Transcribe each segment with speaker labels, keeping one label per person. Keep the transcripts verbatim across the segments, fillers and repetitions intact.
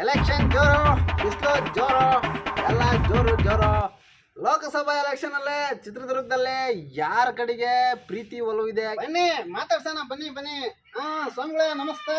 Speaker 1: Election ಜೋರು, ಬಿಸಿಲು ಜೋರು, ಎಲ್ಲ ಜೋರು ಜೋರು. ಲೋಕಸಭಾ ಎಲೆಕ್ಷನ್ ಅಲ್ಲೇ ಚಿತ್ರದುರ್ಗದಲ್ಲೇ ಯಾರ ಕಡೆಗೆ ಪ್ರೀತಿ ಒಲವು ಇದೆ ಬನ್ನಿ ಮಾತಾಡ್ಸೋಣ. ಬನ್ನಿ ಬನ್ನಿ. ಹಾ ಸ್ವಾಮಿಗಳೇ ನಮಸ್ತೆ.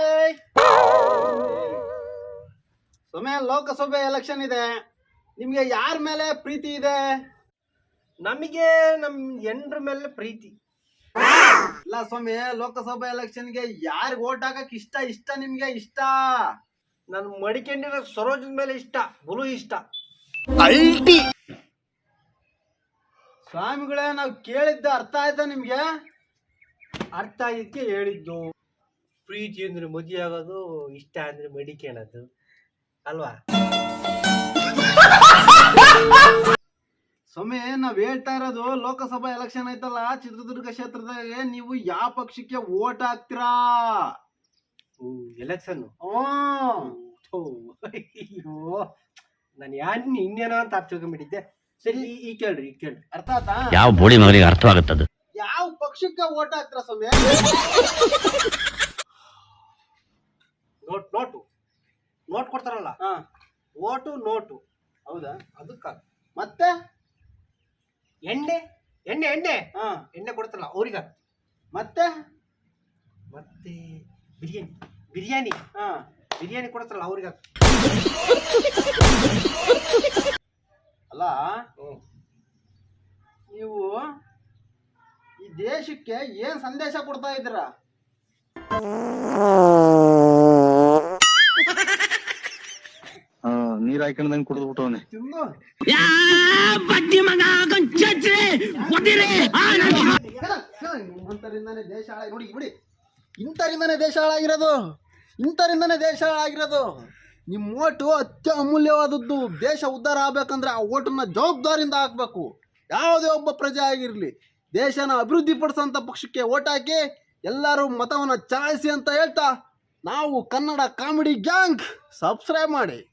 Speaker 1: ಸ್ವಾಮಿ, ಲೋಕಸಭೆ ಎಲೆಕ್ಷನ್ ಇದೆ, ನಿಮ್ಗೆ ಯಾರ ಮೇಲೆ ಪ್ರೀತಿ ಇದೆ?
Speaker 2: ನಮಗೆ ನಮ್ ಎಂಡ್ರ ಮೇಲೆ ಪ್ರೀತಿ
Speaker 1: ಇಲ್ಲ ಸ್ವಾಮಿ, ಲೋಕಸಭಾ ಎಲೆಕ್ಷನ್ಗೆ ಯಾರಿಗೆ ಓಟ್ ಹಾಕಕ್ ಇಷ್ಟ ಇಷ್ಟ ನಿಮ್ಗೆ ಇಷ್ಟ?
Speaker 2: ನನ್ ಮಡಿಕೊಂಡಿರೋ ಸರೋಜದ ಮೇಲೆ ಇಷ್ಟ, ಬಲು ಇಷ್ಟ.
Speaker 1: ಸ್ವಾಮಿಗಳೇ, ನಾವು ಕೇಳಿದ್ದ ಅರ್ಥ ಆಯ್ತಾ ನಿಮ್ಗೆ?
Speaker 2: ಅರ್ಥ ಇದಕ್ಕೆ ಹೇಳಿದ್ದು. ಪ್ರೀತಿ ಅಂದ್ರೆ ಮದುವೆ ಆಗೋದು, ಇಷ್ಟ ಅಂದ್ರೆ ಮಡಿಕೊಳ್ಳೋದು ಅಲ್ವಾ?
Speaker 1: ಸ್ವಾಮಿ, ನಾವ್ ಹೇಳ್ತಾ ಇರೋದು ಲೋಕಸಭಾ ಎಲೆಕ್ಷನ್ ಐತಲ್ಲ ಚಿತ್ರದುರ್ಗ ಕ್ಷೇತ್ರದಾಗೆ ನೀವು ಯಾವ ಪಕ್ಷಕ್ಕೆ ಓಟ್ ಹಾಕ್ತೀರಾ?
Speaker 2: ಎಲೆಕ್ಷನ್
Speaker 1: ಅಯ್ಯೋ,
Speaker 2: ನಾನು ಯಾನ್ ಇನ್ನೇನೋ ಅಂತ ಅರ್ಥ ತಿಳ್ಕೊಂಡ್ಬಿಟ್ಟಿದ್ದೆ. ಸರಿ, ಈ ಕೇಳ್ರಿ ಈ ಕೇಳ್ರಿ
Speaker 1: ಅರ್ಥ ಆಯ್ತಾ?
Speaker 3: ಯಾವ ಬೋಳಿ ಮಗನಿಗೆ ಅರ್ಥವಾಗುತ್ತದೆ?
Speaker 1: ಯಾವ ಪಕ್ಷಕ್ಕೆ ಓಟ್ ಹಾಕ್ತೀರಾ ಸ್ವಾಮಿ?
Speaker 2: ನೋಟ್ ನೋಟು ನೋಟ್ ಕೊಡ್ತಾರಲ್ಲ,
Speaker 1: ಹಾ,
Speaker 2: ಓಟು ನೋಟು.
Speaker 1: ಹೌದಾ?
Speaker 2: ಅದಕ್ಕ
Speaker 1: ಮತ್ತೆ
Speaker 2: ಎಣ್ಣೆ ಎಣ್ಣೆ ಎಣ್ಣೆ
Speaker 1: ಹಾ,
Speaker 2: ಎಣ್ಣೆ ಕೊಡ್ತಾರಲ್ಲ ಅವ್ರಿಗ.
Speaker 1: ಮತ್ತೆ
Speaker 2: ಮತ್ತೆ ಬಿರಿಯಾನಿ ಬಿರಿಯಾನಿ
Speaker 1: ಹಾ,
Speaker 2: ಬಿರಿಯಾನಿ ಕೊಡ್ತಾರಲ್ಲ ಅವ್ರಿಗ.
Speaker 1: ಅಲ್ಲ ನೀವು ಈ ದೇಶಕ್ಕೆ ಏನ್ ಸಂದೇಶ ಕೊಡ್ತಾ ಇದ್ದೀರಾ?
Speaker 4: ನೀರ್ ಹಾಕೊಂಡಂಗ್ ಕುಡಿದು ಬಿಟ್ಟವನೆ.
Speaker 1: ತಿನ್ನು. ನಿಮ್ಮಂತರಿಂದಾನೇ ದೇಶ ಹಾಳಾಗಿ ನೋಡಿ ಬಿಡಿ. ಇಂಥರಿಂದಾನೇ ದೇಶ ಹಾಳಾಗಿರೋದು, ಇಂಥರಿಂದಾನೇ ದೇಶ ಹಾಳಾಗಿರೋದು. ನಿಮ್ಮ ಓಟು ಅತ್ಯ ಅಮೂಲ್ಯವಾದದ್ದು. ದೇಶ ಉದ್ಧಾರ ಆಗ್ಬೇಕಂದ್ರೆ ಆ ಓಟನ್ನ ಜವಾಬ್ದಾರಿಯಿಂದ ಹಾಕ್ಬೇಕು. ಯಾವುದೇ ಒಬ್ಬ ಪ್ರಜೆ ಆಗಿರಲಿ, ದೇಶನ ಅಭಿವೃದ್ಧಿ ಪಡಿಸೋಂಥ ಪಕ್ಷಕ್ಕೆ ಓಟ್ ಹಾಕಿ ಎಲ್ಲರೂ ಮತವನ್ನು ಚಲಾಯಿಸಿ ಅಂತ ಹೇಳ್ತಾ, ನಾವು ಕನ್ನಡ ಕಾಮಿಡಿ ಗ್ಯಾಂಗ್ ಸಬ್ಸ್ಕ್ರೈಬ್ ಮಾಡಿ.